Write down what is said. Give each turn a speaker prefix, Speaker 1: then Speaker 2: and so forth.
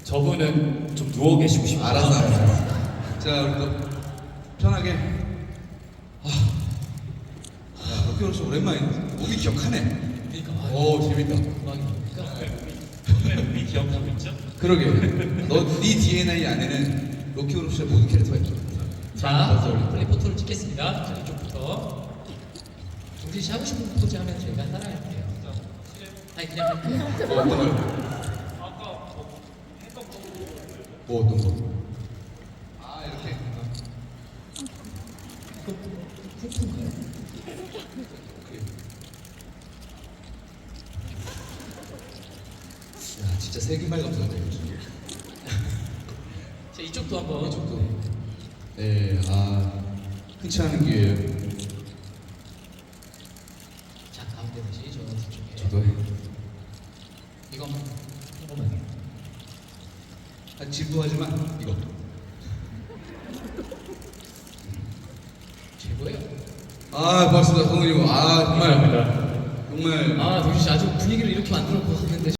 Speaker 1: 저분은 좀 누워 계시고 싶어요.
Speaker 2: 알았어. 자, 우리 또 편하게. 야, 럭키로스 오랜만이네. 몸이 기억하네.
Speaker 1: 그러니까
Speaker 2: 오, 재밌다.
Speaker 1: 우리 기억하고 있죠?
Speaker 2: 그러게. 네 DNA 안에는 럭키로스의 모든 캐릭터가 있죠.
Speaker 1: 자, 플리포토를 찍겠습니다. 자, 이쪽부터. 동진 씨 하고 싶은 포즈 하면 저희가 따라갈게요. 아니 그냥 할게요.
Speaker 2: 뭐 어떤 걸? 뭐 어떤 거? 아, 이렇게.
Speaker 1: 이거 쿵쿵가요?
Speaker 2: 야, 진짜 세기말 감사합니다. 이거.
Speaker 1: 자, 이쪽도 한번.
Speaker 2: 이쪽도. 네, 흔치 않은 기회예요.
Speaker 1: 자, 가운데 다시 저 뒤쪽에.
Speaker 2: 저도 해.
Speaker 1: 이거 한 번만.
Speaker 2: 진부하지만 이거.
Speaker 1: 최고예요.
Speaker 2: 고맙습니다, 성훈이 형. 정말
Speaker 1: 감사합니다.
Speaker 2: 정말
Speaker 1: 동진 씨 아주 분위기를 이렇게 만들어 보았는데.